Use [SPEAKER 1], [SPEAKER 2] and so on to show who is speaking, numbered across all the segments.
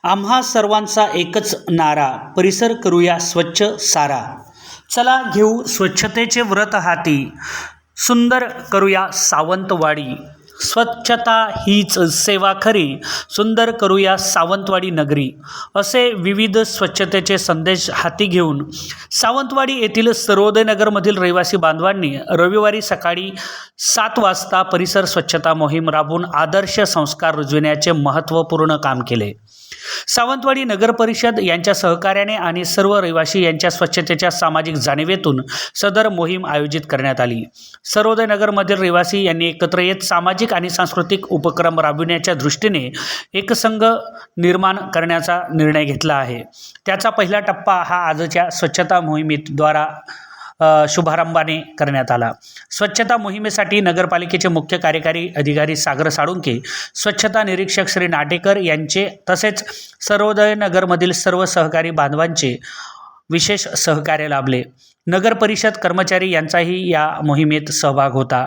[SPEAKER 1] आम्हा सर्वांचा एकच नारा, परिसर करूया स्वच्छ सारा. चला घेऊ स्वच्छतेचे व्रत हाती, सुंदर करूया सावंतवाडी. स्वच्छता हीच सेवा खरी, सुंदर करूया सावंतवाडी नगरी. असे विविध स्वच्छतेचे संदेश हाती घेऊन सावंतवाडी येथील सर्वोदय नगरमधील रहिवासी बांधवांनी रविवारी सकाळी 7 वाजता परिसर स्वच्छता मोहीम राबवून आदर्श संस्कार रुजविण्याचे महत्त्वपूर्ण काम केले. सावंतवाडी नगर परिषद यांच्या सहकार्याने आणि सर्व रहिवासी यांच्या स्वच्छतेच्या सामाजिक जाणीवेतून सदर मोहीम आयोजित करण्यात आली. सर्वोदय नगरमधील रहिवासी यांनी एकत्र येत सामाजिक आणि सांस्कृतिक उपक्रम राबविण्याच्या दृष्टीने एकसंघ निर्माण करण्याचा निर्णय घेतला आहे. त्याचा पहिला टप्पा हा आजच्या स्वच्छता मोहिमेद्वारा शुभारंभाने करण्यात आला. स्वच्छता मोहिमेसाठी नगरपालिकेचे मुख्य कार्यकारी अधिकारी सागर साळुंके, स्वच्छता निरीक्षक श्री नाटेकर यांचे तसेच सर्वोदय नगरमधील सर्व सहकारी बांधवांचे विशेष सहकार्य लाभले. नगर परिषद कर्मचारी यांचाही या मोहिमेत सहभाग होता.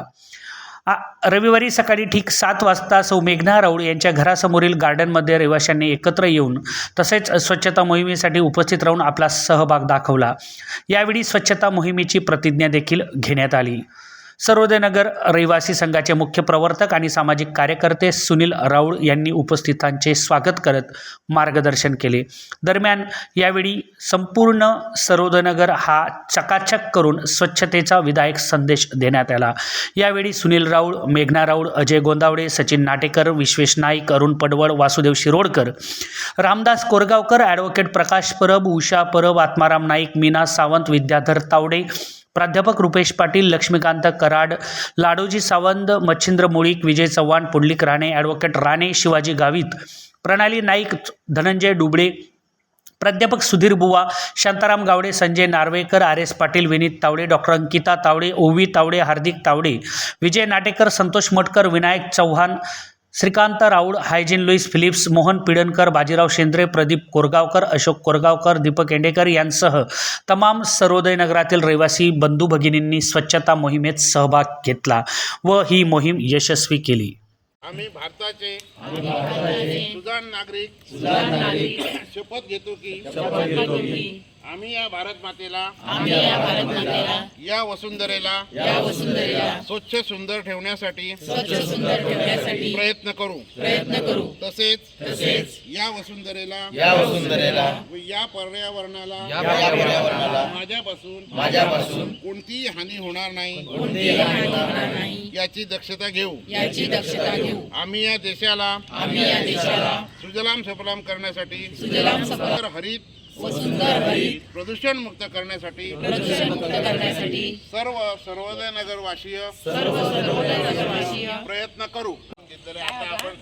[SPEAKER 1] रविवारी सकाळी ठीक 7 वाजता सौ मेघना राऊळ यांच्या घरासमोरील गार्डनमध्ये रहिवाशांनी एकत्र येऊन तसेच स्वच्छता मोहिमेसाठी उपस्थित राहून आपला सहभाग दाखवला. यावेळी स्वच्छता मोहिमेची प्रतिज्ञा देखील घेण्यात आली. सर्वोदय नगर रहिवासी संघाचे मुख्य प्रवर्तक आणि सामाजिक कार्यकर्ते सुनील राऊळ यांनी उपस्थितांचे स्वागत करत मार्गदर्शन केले. दरम्यान यावेळी संपूर्ण सर्वोदय नगर हा चकाचक करून स्वच्छतेचा विधायक संदेश देण्यात आला. यावेळी सुनील राऊळ, मेघना राऊळ, अजय गोंदावडे, सचिन नाटेकर, विश्वेश नाईक, अरुण पडवळ, वासुदेव शिरोडकर, रामदास कोरगावकर, ॲडव्होकेट प्रकाश परब, उषा परब, आत्माराम नाईक, मीना सावंत, विद्याधर तावडे, प्राध्यापक रुपेश पाटील, लक्ष्मीकांत कराड, लाडोजी सावंत, मच्छिंद्र मुळीक, विजय चव्हाण, पुंडलिक राणे, ॲडव्होकेट राणे, शिवाजी गावित, प्रणाली नाईक, धनंजय डुबळे, प्राध्यापक Sudhir Buwa, Shantaram Gawade, Sanjay Narvekar, R S Patil, Vinit Tawde, doctor Ankita Tawde, Ovi Tawde, Hardik Tawde, Vijay Natekar, Santosh Matkar, Vinayak Chavan, Shrikant Raul, Hygin Louis Philips, Mohan Pidnekar, Bajirao Shendre, Pradeep Korgaonkar, Ashok Korgaonkar, Deepak Endekar यांसह तमाम सर्वोदय नगरातील रहिवासी बंधू भगिनींनी स्वच्छता मोहिमेत सहभाग घेतला व ही मोहीम यशस्वी केली.
[SPEAKER 2] आम्ही भारताचे सुजाण नागरिक शपथ घेतो की आम्ही या भारत मातेला या वसुंधरेला स्वच्छ सुंदर ठेवण्यासाठी प्रयत्न करू. तसेच या वसुंधरेला व या पर्यावरणाला माझ्यापासून कोणतीही हानी होणार नाही याची दक्षता घेऊ. आम्ही या देशाला सुजलाम सफलाम करण्यासाठी हरित प्रदूषण मुक्त करण्यासाठी सर्वोदय नगरवासीय प्रयत्न करू. आता आपण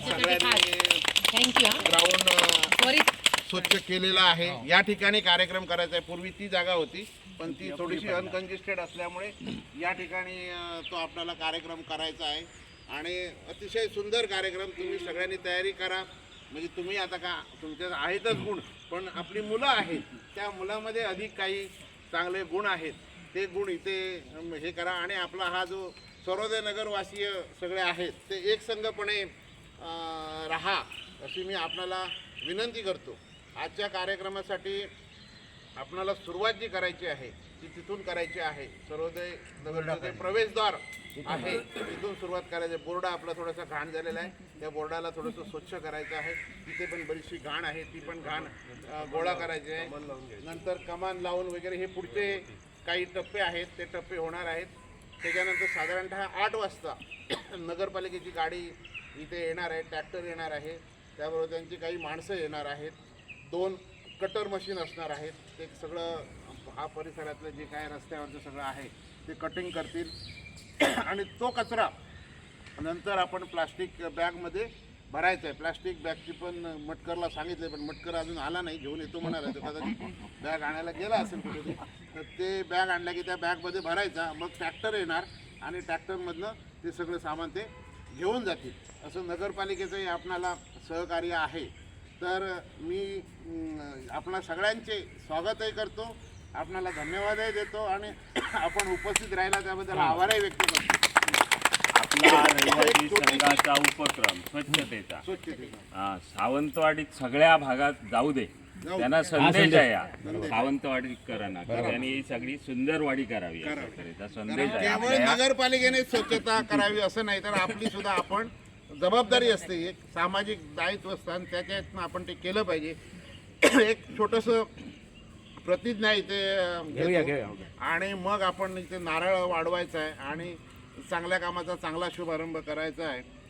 [SPEAKER 2] ग्राउंड स्वच्छ केलेला आहे. या ठिकाणी कार्यक्रम करायचा आहे. पूर्वी ती जागा होती पण ती थोडीशी अनकंजेस्टेड असल्यामुळे या ठिकाणी तो आपल्याला कार्यक्रम करायचा आहे आणि अतिशय सुंदर कार्यक्रम. तुम्ही सगळ्यांनी तयारी करा. म्हणजे तुम्ही आता का तुमच्या आहेतच गुण, पण आपली मुलं आहेत त्या मुलामध्ये अधिक काही चांगले गुण आहेत ते गुण इथे हे करा. आणि आपला हा जो सर्वोदय नगरवासीय सगळे आहेत ते एकसंघपणे राहा अशी मी आपल्याला विनंती करतो. आजच्या कार्यक्रमासाठी आपल्याला सुरुवात जी करायची आहे ती तिथून करायची आहे. सर्वोदय नगरचे प्रवेशद्वार आहे तिथून सुरुवात करायची. बोर्ड आपला थोडासा घाण झालेला आहे, त्या बोर्डाला थोडंसं स्वच्छ करायचं आहे. तिथे पण बरीचशी घाण आहे, ती पण घाण गोळा करायची आहे. नंतर कमान लावून वगैरे हे पुढचे काही टप्पे आहेत ते टप्पे होणार आहेत. त्याच्यानंतर साधारणतः 8 वाजता नगरपालिकेची गाडी इथे येणार आहे, ट्रॅक्टर येणार आहे, त्याबरोबर त्यांची काही माणसं येणार आहेत, 2 कटर मशीन असणार आहेत. ते सगळं हा परिसरातलं जे काय रस्त्यावरचं सगळं आहे ते कटिंग करतील आणि तो कचरा नंतर आपण प्लास्टिक बॅगमध्ये भरायचा आहे. प्लास्टिक बॅगची पण मटकरला सांगितले पण मटकर अजून आला नाही, घेऊन येतो म्हणाला. तर कदाचित बॅग आणायला गेला असेल कुठे, तर ते बॅग आणला की त्या बॅगमध्ये भरायचा. मग ट्रॅक्टर येणार आणि ट्रॅक्टरमधनं ते सगळं सामान ते घेऊन जातील. असं नगरपालिकेचंही आपणाला सहकार्य आहे. तर मी आपणा सगळ्यांचे स्वागतही करतो, आपणाला धन्यवादही देतो आणि आपण उपस्थित राहिला त्याबद्दल आभारही व्यक्त करतो.
[SPEAKER 3] आपला रहिवासी संघाचा उपक्रम स्वच्छतेचा
[SPEAKER 2] स्वच्छतेचा
[SPEAKER 3] सावंतवाडीत सगळ्या भागात जाऊ दे, त्यांना संदेश आहे हा. सावंतवाडीकरांना की त्यांनी ही सगळी सुंदर वाडी करावी या स्वच्छतेचा संदेश आहे
[SPEAKER 2] केवळ
[SPEAKER 3] आपल्या या
[SPEAKER 2] नगरपालिकेने स्वच्छता करावी असं नाही, तर आपली सुद्धा आपण जबाबदारी असते, एक सामाजिक दायित्व असतं आणि त्याच्यातनं आपण ते केलं पाहिजे. एक छोटंसं प्रतिज्ञा इथे घेतो आणि मग आपण इथे नारळ वाढवायचा आहे आणि चांगल्या कामाचा चांगला शुभारंभ करायचा आहे.